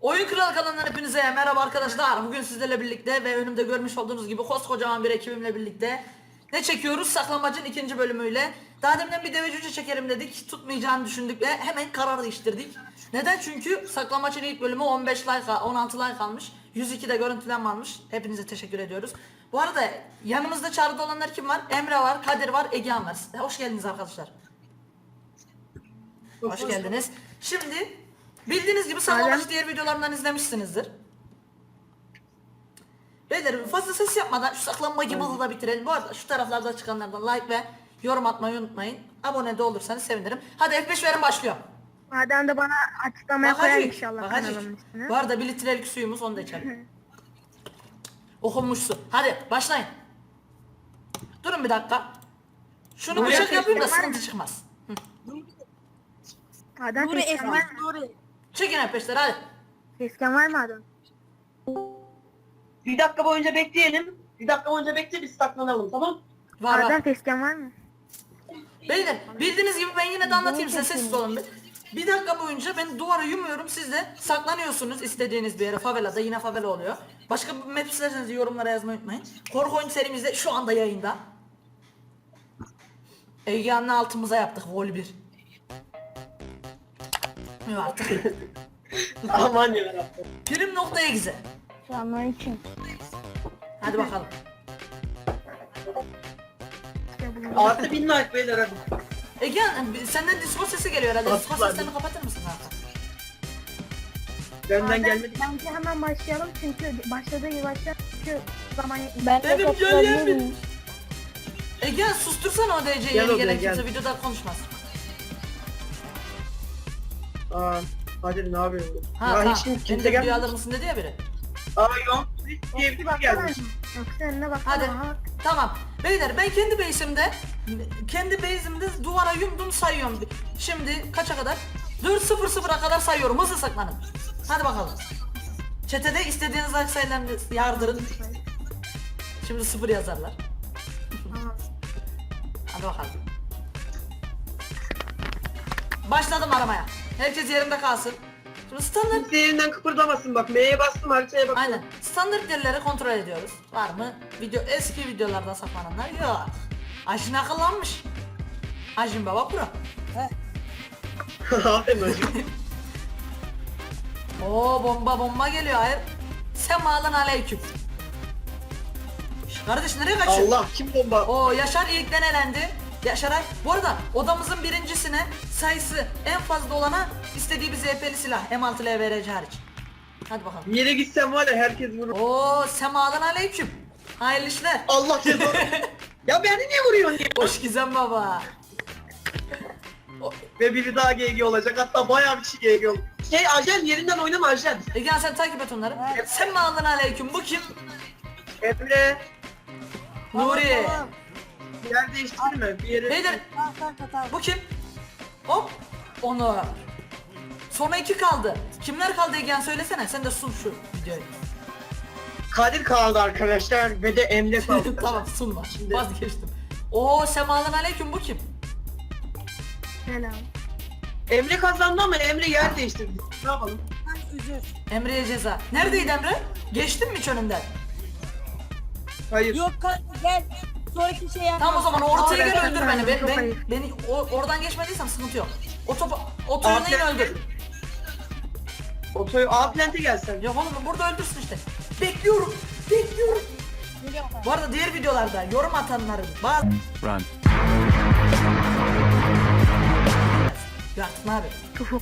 Oyun Kralı kanalından hepinize merhaba arkadaşlar. Bugün sizlerle birlikte ve önümde görmüş olduğunuz gibi koskocaman bir ekibimle birlikte ne çekiyoruz? Saklamacın ikinci bölümüyle. Daha deminden bir deve cüce çekelim dedik. Tutmayacağını düşündük ve hemen karar değiştirdik. Neden? Çünkü saklamacın ilk bölümü 15 like, 16 like almış. 102'de görüntülenme almış. Hepinize teşekkür ediyoruz. Bu arada yanımızda çağrıda olanlar kim var? Emre var, Kadir var, Egehan var. Hoş geldiniz arkadaşlar. Hoş geldiniz. Şimdi bildiğiniz gibi saklambaç diğer videolarımdan izlemişsinizdir. Beyler fazla ses yapmadan şu saklanmacı malı da bitirelim. Bu arada şu taraflarda çıkanlardan like ve yorum atmayı unutmayın. Abone de olursanız sevinirim. Hadi F5 verin, başlıyor. Adam da bana açıklamaya koyar inşallah Bakacık. kanalımın ismini. Bu arada 1 litrelik suyumuz, onu da içelim. Okunmuş su. Hadi başlayın. Durun bir dakika. Şunu Buraya bıçak yapayım da kestim, var sıkıntı mı? çıkmaz. Adam Nuri fesken var Esmer mı? Nuri. Çekin F5'leri hadi. Fesken var mı adam? Bir dakika boyunca bekleyelim. Bir dakika boyunca bekle, biz saklanalım, tamam? Var Adam var. fesken var mı? Beyler bildiğiniz gibi ben yine de anlatayım size, sessiz olun bir. Bir dakika boyunca ben duvara yumuyorum, siz de saklanıyorsunuz istediğiniz bir yere. Favelada, yine favela oluyor. Başka bir map isterseniz yorumlara yazmayı unutmayın. Korku oyun serimizde şu anda yayında. Egehan'la altımıza yaptık vol 1. Yok artık. Aman yarabbim. Prim noktaya güzel. Selamünaleyküm. Hadi bakalım. Artı 1000 like beyler hadi. Egehan senden Discord sesi geliyor herhalde. Discord Aslan. seslerini kapatır mısın abi? Benden gelmedi. Bence hemen başlayalım çünkü başladığı gibi başlar. Çünkü zaman Benim gönlüm. Egehan sustursana o DC'yi, Gel yeni odaya, gelen gel. kimse videoda konuşmaz. Aa, hadi ne yapıyorsun? Ha Ya tamam. hiç Beni kimse de video gelmedi. alır mısın dedi ya biri. Aa yok, diye bir gelmiş. Yoksa önüne bak. Hadi. Tamam. Beyler ben kendi base'imde duvara yumdum, sayıyorum. Şimdi kaça kadar? 4-0-0'a kadar sayıyorum. Hızlı saklanın. Hadi bakalım. Çetede istediğiniz like sayılarını yardırın. Şimdi 0 yazarlar. Hadi bakalım. Başladım aramaya. Herkes yerinde kalsın. Şimdi standart, Kimse yerinden kıpırdamasın bak. M'ye bastım, haritaya bak. aynen. Standart yerleri kontrol ediyoruz. Var mı? Eski videolarda saklananlar yok. Ajin akıllanmış. Ajin Baba Pro. Aferin hocam. Oo bomba geliyor, hayır. Semalan aleyküm. Şş, kardeş nereye kaçıyorsun? Allah, kim bomba? Oo Yaşar ilkten elendi. Yaşaray. Bu arada odamızın birincisine sayısı en fazla olana istediği bir ZP'li silah M6 LVRC hariç. Hadi bakalım. Bir yere gitsem var ya herkes vurur. Oo semalan aleyküm. Hayırlı işler. Allah cezanı. Ya beni niye vuruyorsun ya? Hoş Gizem baba. Ve biri daha GG olacak, hatta bayağı bir kişi GG olacak. Ajen yerinden oynama Ajen. Gel sen takip et onları. Semalan aleyküm. Bu kim? Emre, Nuri. yer değiştirme bir yere. Beyler bu kim? Hop. Onur. Sonra 2 kaldı. Kimler kaldı Egehan, söylesene. Sen de sun şu videoyu. Kadir kaldı arkadaşlar ve de Emre kaldı. Tamam sunma. Şimdi- Vazgeçtim. Oo semalan aleyküm, bu kim? Selam. Emre kazandı ama Emre yer değiştirdi. Ne yapalım? Emre'ye ceza. Neredeydi Emre? Geçtin mi hiç önünden? Hayır. Yok kanka gel. Sonraki şey yap. Tamam o zaman ortaya Aa, gel, ben- öldür beni. çok ayıp. Beni oradan geçmediysem sıkıntı yok. O topu Abi- yine öldür. Otoyu A plante gelsen. Yok oğlum burada öldürsün işte. Bekliyorum. Bu arada diğer videolarda yorum atanların bazı... Run. Yaktın abi. Tufuk.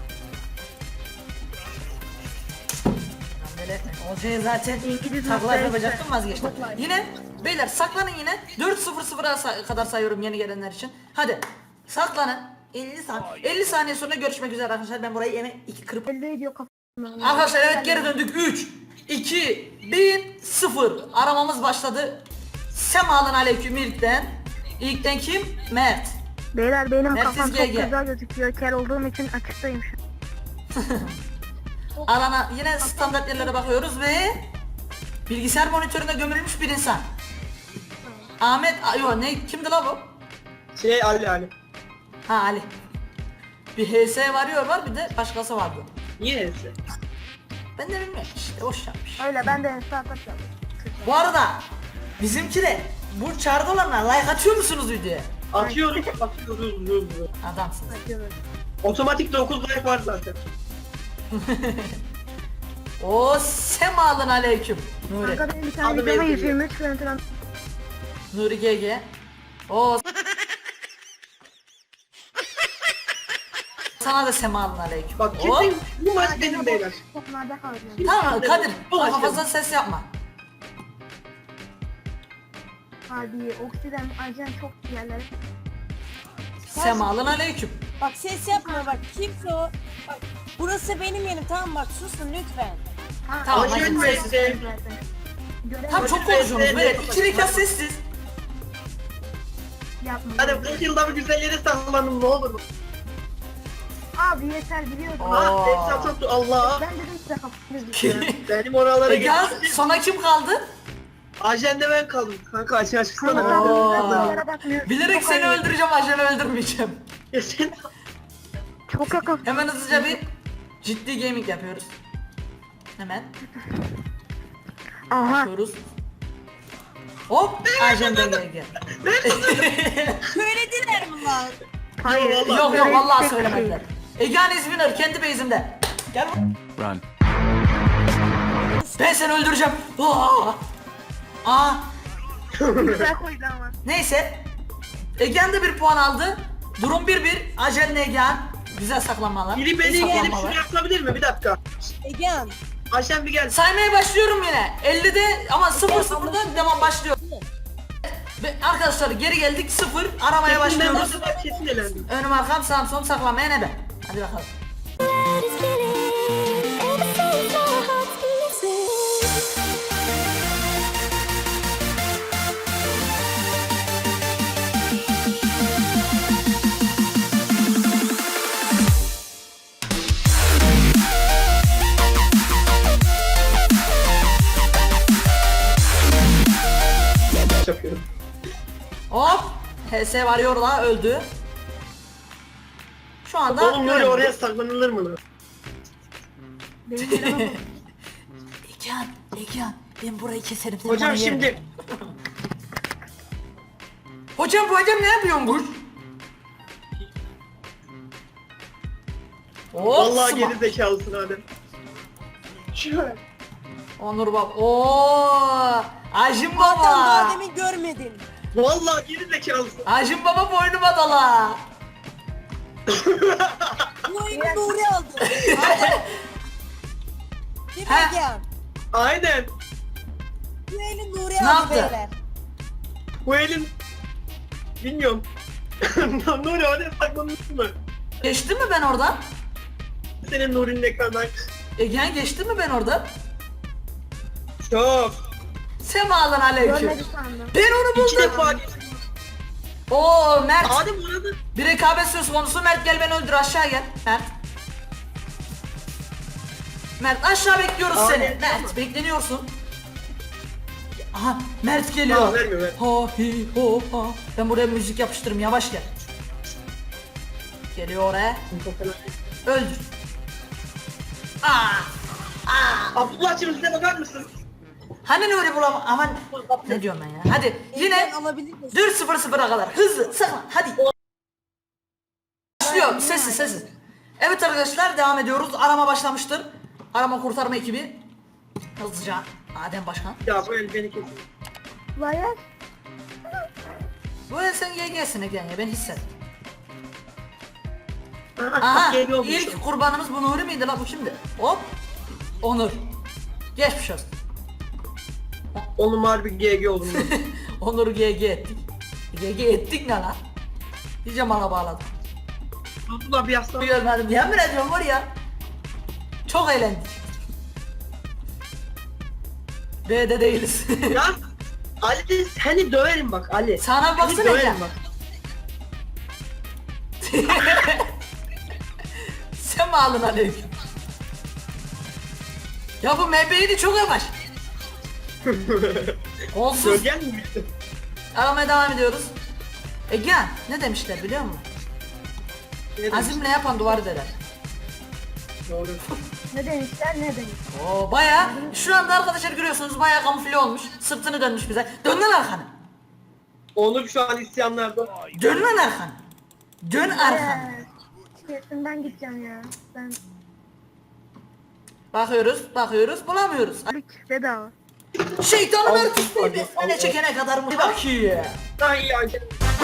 Ben böyle hocaya zaten İngiliz taklar noktaya yapacaktım, işte. vazgeçtim. Yine beyler saklanın yine. 4-0-0'a kadar sayıyorum yeni gelenler için. Hadi saklanın. 50 saniye sonra görüşmek üzere arkadaşlar. Ben burayı yine 2 kırıp... Elde ediyor kafamı. Arkadaşlar evet, geri döndük. 3, 2, 1, 0. Aramamız başladı. Semalan aleyküm ilkten. İlkten kim? Mert. Beyler benim Mersiz kafam çok GG. güzel gözüküyor. Kel olduğum için açıktayım şu an. Alana yine standart yerlere bakıyoruz ve bilgisayar monitörüne gömülmüş bir insan. Ahmet, yok ne, kimdi la bu? Ali. Ha Ali. Bir HS varıyor, var bir de başkası vardı. Niye neyse? Ben de bilmiyorum işte boş yapmış. Öyle ben de startup yaptım. Bu arada bizimki de bu çağrıda olanlar like atıyor musunuz videoya? Atıyoruz. Adamsınız. Yapıyoruz. Otomatik 9 like var zaten. O semalın aleyküm. Nuri. Kanka benim bir tane Adım videoma Ezgi. 123 görüntülen. Nuri GG. O sana da semalın aleyküm. Bak Hop. kesin bu maç benim beyler. Toplarda kalacağım. Tamam Kadir. Bu Daha maç fazla ses yapma. Abi oksiden ajan çok yerlere. Semalın aleyküm. Bak ses yapma bak. Kimse o? Bak burası benim yerim tamam bak susun lütfen. Tamam, Ajan hadi. Messi. Tam çok konuşuyorsunuz böyle. İki rekat sessiz. Yapma. Hadi bu yılda bir güzel yere saklanın ne olur. Abi yeter biliyordum. Ah Efsane çok Allah. Ben dedim size kapatıyoruz. Benim oralara Gel geçtim. sonra kim kaldı? Ajende ben kaldım. Kanka açığa çıksana. Bilerek seni öldüreceğim, ajanı öldürmeyeceğim. Geçen Çok yakın. Hemen hızlıca bir ciddi gaming yapıyoruz. Hemen Aha. yapıyoruz. Hop, ajandan gel. Söylediler mi lan? Hayır. Yok yok vallahi söylemediler. Egehan is winner kendi base'imde. Gel bak. Run. Ben seni öldüreceğim. Aa. Güzel koydu ama. Neyse. Egehan da bir puan aldı. Durum 1-1. Ajanla Egehan. Güzel saklanmalar. biri beni iyi gelip saklanmalar. şunu yapabilir mi? Bir dakika. Egehan. Ajan bir gel. Saymaya başlıyorum yine. 50'de ama 0-0'da devam başlıyor. Ve arkadaşlar geri geldik 0. Aramaya başlıyoruz. Kesin elendim. Önüm arkam sağım solum saklamaya ne be? Hadi bakalım. Yapıyorum. Hop. HS varıyor da öldü. Şu anda Oğlum böyle görüyorum. oraya saklanılır mı lan? Benim yerime bak. Egehan ben burayı keserim seni Hocam bana yerim. şimdi Hocam bu adam ne yapıyormuş? Hop, vallahi sıma. geri zekalısın Adem. Şöyle. Onur bak. Oo! Ajim Adam baba. daha demin görmedin. Vallahi geri zekalısın. Ajim baba boynuma dala. Bu oyunu Nuri aldı. Değil mi He. Egehan? Aynen. Bu eli Nuri Ne aldı yaptı? beyler. Bu elin bilmiyorum. Nuri oraya saklanılır mı? Geçti mi ben oradan? Senin Nuri'nin ekranından. Egehan geçti mi ben oradan? Çok. Semalın aleyküm. Görmedi sandım. Ben onu İki buldum. defa geçtim. Oo Mert. Adem orada. Bir rekabet söz konusu. Mert gel beni öldür aşağı gel. Mert. Mert aşağı bekliyoruz Aa, seni. ne- Mert bekleniyorsun. Aha Mert geliyor. Aa, vermiyor, ver. Ha hi ho ha. Ben buraya müzik yapıştırırım yavaş gel. Geliyor oraya. Öldür. Abdullah'cığım size bakar mısın? Hani Nuri bulam aman ne diyorum ben ya. Hadi yine Egehan alabilir misin? 4-0-0'a kadar hızlı saklan hadi. Başlıyor sessiz sessiz. Evet arkadaşlar devam ediyoruz. Arama başlamıştır. Arama kurtarma ekibi. Hızlıca Adem Başkan. Ya bu el beni kesin. Layar. Bu el sen GG'sin Egen ya ben hissettim. Aha, Aha geliyormuş. ilk kurbanımız bu Nuri miydi la bu kimdi? Hop. Onur. Geçmiş olsun. Oğlum harbi GG oldum. ben. Onur'u GG ettik. GG ettik ne lan? İyice bana bağladım. Abdullah bir yaslan. Görmedim yemin ediyorum var ya. Çok eğlendik. B'de değiliz. Ya Ali seni döverim bak Ali. Sana Seni baksana döverim ya. bak. Semalın aleyküm. Ya bu MB'ydi çok yavaş. Olsuz. Gölgen mi bitti? Aramaya devam ediyoruz. Egehan ne demişler biliyor musun? Ne demiş? Azimle yapan duvar deler. Doğru. Ne demişler ne demiş. Oo baya şu anda arkadaşlar görüyorsunuz baya kamufle olmuş. Sırtını dönmüş bize. Dön lan arkanı. Onur şu an isyanlarda. Dön lan arkanı. Dön arkanı. Kesin ben gideceğim ya. Ben Bakıyoruz bulamıyoruz. Lük bedava. Şeytanın Al, artisti al, besmele al. çekene kadar mı? Bak iyi. Daha iyi Ajel.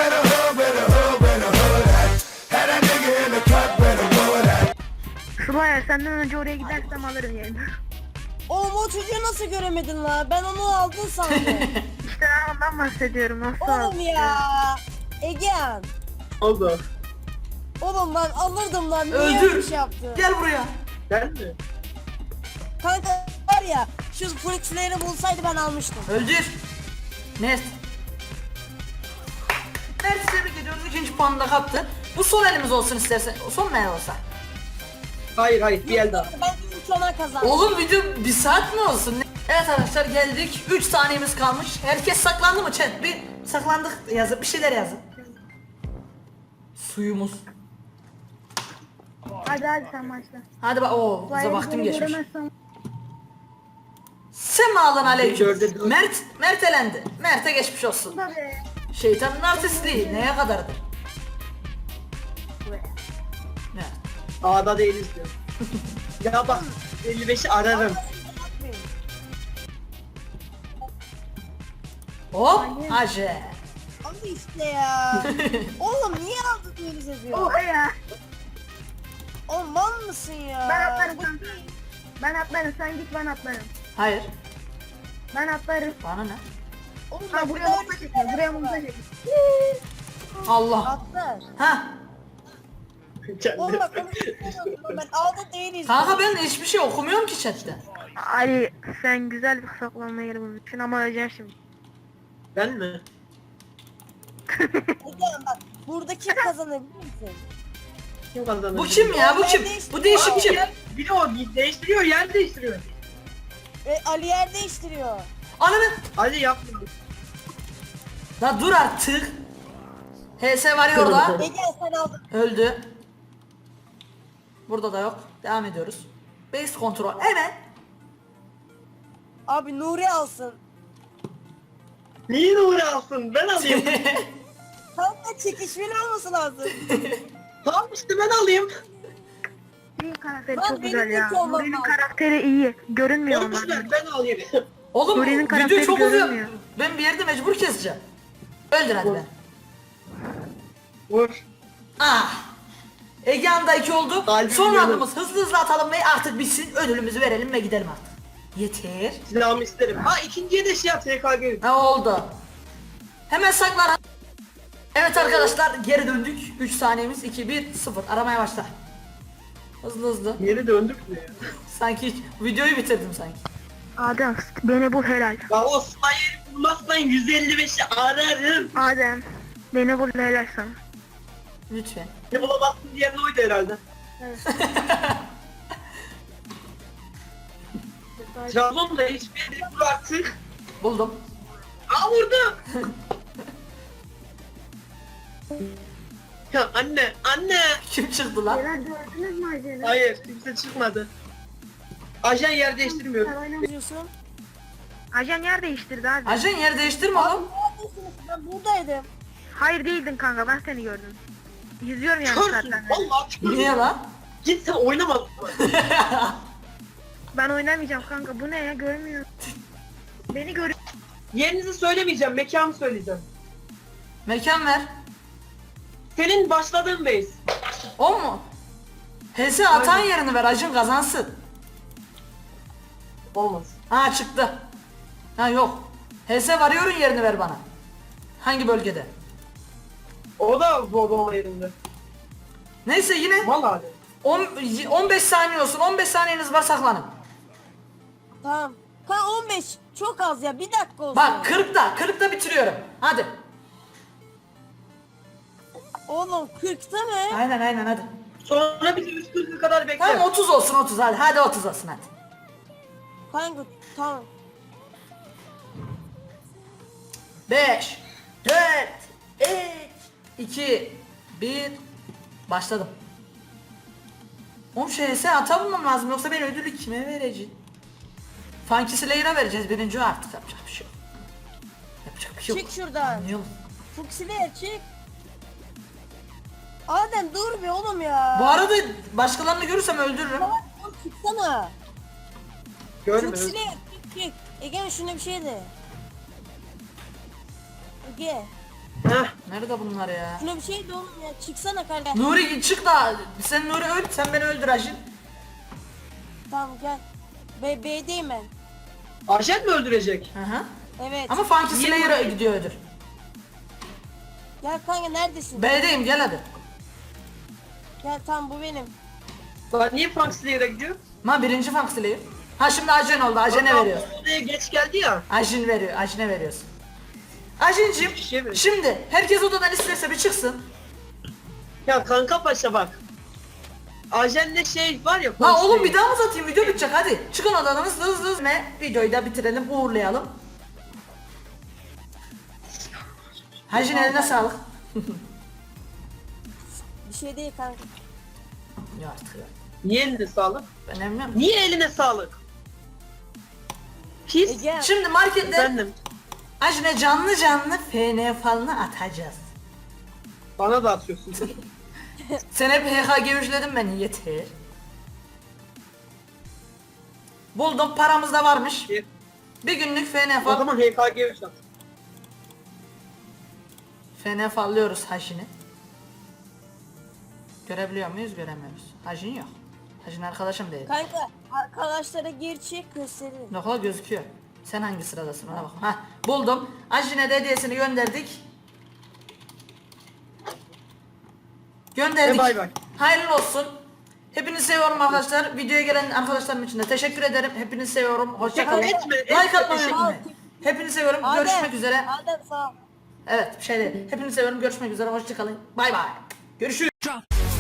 Sıla'ya senden önce oraya gidersem alırım yerini. Oğlum o çocuğu nasıl göremedin la? Ben onu aldın sandım. İşte ben ondan bahsediyorum. Nasıl Oğlum aldın? ya. Egehan. Oldu. Oğlum ben alırdım lan. Niye Öldür. öyle bir şey yaptın? Gel buraya. Ben mi? Kanka var ya şu fırçaları bulsaydı ben almıştım. Öldür. Mert. Mert'i tebrik ediyoruz. İkinci puanını da kaptı. Bu son elimiz olsun istersen. Son mu el olsa? Hayır bir el daha. Ben ilk ona kazandım. Oğlum video bir saat mi olsun? Evet arkadaşlar geldik. 3 saniyemiz kalmış. Herkes saklandı mı chat? Bir saklandık yazın. Bir şeyler yazın. Suyumuz. Hadi sen başla. Hadi bak. Oo, bize Sıla'ya vaktim beni geçmiş. göremezsem Semalan aleyküm. Dörde dört. Mert elendi. Mert'e geçmiş olsun. da be. Şeytanın artistliği neye kadardır? Ne? A'da değiliz diyor. Ya bak 55'i ararım. Hop. Hacı. Abi işte ya. Oğlum niye aldın böyle seviyor? Oha ya. Oğlum mal mısın ya? Ben atlarım kanka. Ben atlarım sen git ben atlarım. Hayır. Ben atlarım. Bana ne? Oğlum Ha bak buraya buraya mutla çekiyor. Buraya mutla çekiyor. Allah. atlar. Ha. Oğlum bak onu istemiyorum. Ben aldı değiliz. Kanka ben hiçbir şey okumuyorum ki chatte. Ali sen güzel bir saklanma yeri bulmuşsun ama öleceksin şimdi. Ben mi? Egehan bak burada kim kazanabilir misin? Kim kazanır? Bu kim ya? Bu kim? Bu değişik kim? Biri o değiştiriyor, yer değiştiriyor. Ali yer değiştiriyor. Ananı. Hadi yapma. La dur artık. HS var ya orada. Egehan sen aldın. Öldü. Burada da yok. Devam ediyoruz. Base kontrol. Evet. Abi Nuri alsın. Niye Nuri alsın? Ben alayım. Kanka çekişmeli olması lazım. Tamam işte ben alayım. Nuri'nin karakteri Lan çok benim güzel ya. kötü olmam Nuri'nin lazım. karakteri iyi. Görünmüyor Boş onlar. ver ben alayım. Oğlum Nuri'nin video karakteri çok uzuyor. görünmüyor. Ben bir yerde mecbur keseceğim. Öldür hadi be. Vur. Ah. Egehan'da 2 oldu. Kalbim Son yanıyor. roundumuz hızlı atalım ve artık bitsin. Ödülümüzü verelim ve gidelim artık. Yeter. Silahımı isterim. Ha ikinciye de şey yap TKG. Ne oldu? Hemen saklan. Evet arkadaşlar geri döndük. 3 saniyemiz 2 1 0. Aramaya başla. Hızlı. Geri döndük mü ya? Sanki videoyu bitirdim sanki. Adem beni bul helal. Ya o sayıyı bulmazsan 155'i ararım. Adem beni bul helal sana. Lütfen. Ne bulamazsın diyen oydu herhalde. Trabzon'da hiçbir yere vur artık. Buldum. Aa vurdu. Ya anne. Kim çıktı lan? Helal gördünüz mü Ajen'i? Hayır kimse çıkmadı. Ajan yer değiştirmiyor. Ne diyorsun? Ajan yer değiştirdi abi. Ajan yer değiştirme oğlum. Neredesiniz? Ben buradaydım. Hayır değildin kanka ben seni gördüm. Yüzüyorum yani Çıkarsın. zaten. Vallahi çıkarsın. Niye lan? Git sen oynama. Ben oynamayacağım kanka bu ne ya görmüyor. Beni görüyor. Yerinizi söylemeyeceğim, mekanı söyleyeceğim. Mekan ver. Senin başladığın base. O mu? HS atan yerini ver Acun kazansın. Olmaz. Ha çıktı. Ha yok. HS varıyorun yerini ver bana. Hangi bölgede? O da zorlama yerinde. Neyse yine Mal hali. 15 saniye olsun. 15 saniyeniz var saklanın. Tamam. Kanka 15 çok az ya, bir dakika olsun. Bak 40'da bitiriyorum. Hadi. Oğlum 40'ta mı? Aynen hadi. Sonra bizim üstümüze kadar bekle. Tamam 30 olsun 30 hadi. Hadi 30 olsun hadi. Kanka tamam. 5 4 3 2 1 Başladım. Oğlum şeyse ata bulmam lazım yoksa ben ödülü kime vereceğim? Funky Slayer'a vereceğiz birinci o artık yapacak bir şey yok. Yapacak bir şey yok. Çık şuradan. Anlıyorum. Fuksiler çık. Adem dur be oğlum ya. Bu arada başkalarını görürsem öldürürüm. Salak oğlum çıksana. Görmüyoruz. Fuksiler çık. Ege şuna bir şey de. Ege Heh. Nerede bunlar ya? şuna bir şey de oğlum ya. Çıksana kardeş. Nuri çık da sen Nuri öl sen beni öldür Ajin. Tamam gel. B'deyim ben. Ajen mi öldürecek? Hı hı. Evet. Ama Funky Niye Slayer'a buraya- gidiyor ödül. Gel kanka neredesin? B'deyim gel hadi. Gel tamam bu benim. Lan niye Frank Slayer'a gidiyor? Ma birinci Funky Slayer. Ha şimdi Ajin oldu. Ajin'e Adam veriyoruz. Odaya geç geldi ya. Ajin veriyor. Ajin'e veriyorsun. Ajin'cim Bir şey mi? şimdi herkes odadan isterse bir çıksın. Ya kanka paşa bak. Ajenle şey var ya. La Frank oğlum Slayer. bir daha mı satayım video bitecek hadi. Çıkın odadan hızlı ve videoyu da bitirelim uğurlayalım. Ajin eline sağlık. Bir şey değil kanka. Ya artık ya. Niye eline sağlık? Ben emmem. Niye eline sağlık? Pis. Ege Şimdi markette Efendim. Ajin'e canlı FN falını atacağız. Bana da atıyorsun. Sen hep HK gevişledin beni yeter. Buldum paramız da varmış. Bir günlük FN O fal. zaman HKG at. FN fallıyoruz Hajin'i. Görebiliyor muyuz? Göremiyoruz. Hajin yok. Hajin arkadaşım değil. kanka arkadaşlara gir çık gösterin. Nokla gözüküyor. Sen hangi sıradasın ona bak. Hah buldum. Ajin'e de hediyesini gönderdik. Gönderdik. Bay bay. Hayırlı olsun. Hepinizi seviyorum arkadaşlar. Videoya gelen arkadaşlarım için de teşekkür ederim. Hepinizi seviyorum. Hoşça kalın. Etme, Like etme, atmayı teşekkür unutmayın. Hepinizi seviyorum. Görüşmek üzere. Adem sağ ol. Evet bir şey değil. Hepinizi seviyorum. Görüşmek üzere. Hoşça kalın. Bay bay. Görüşürüz.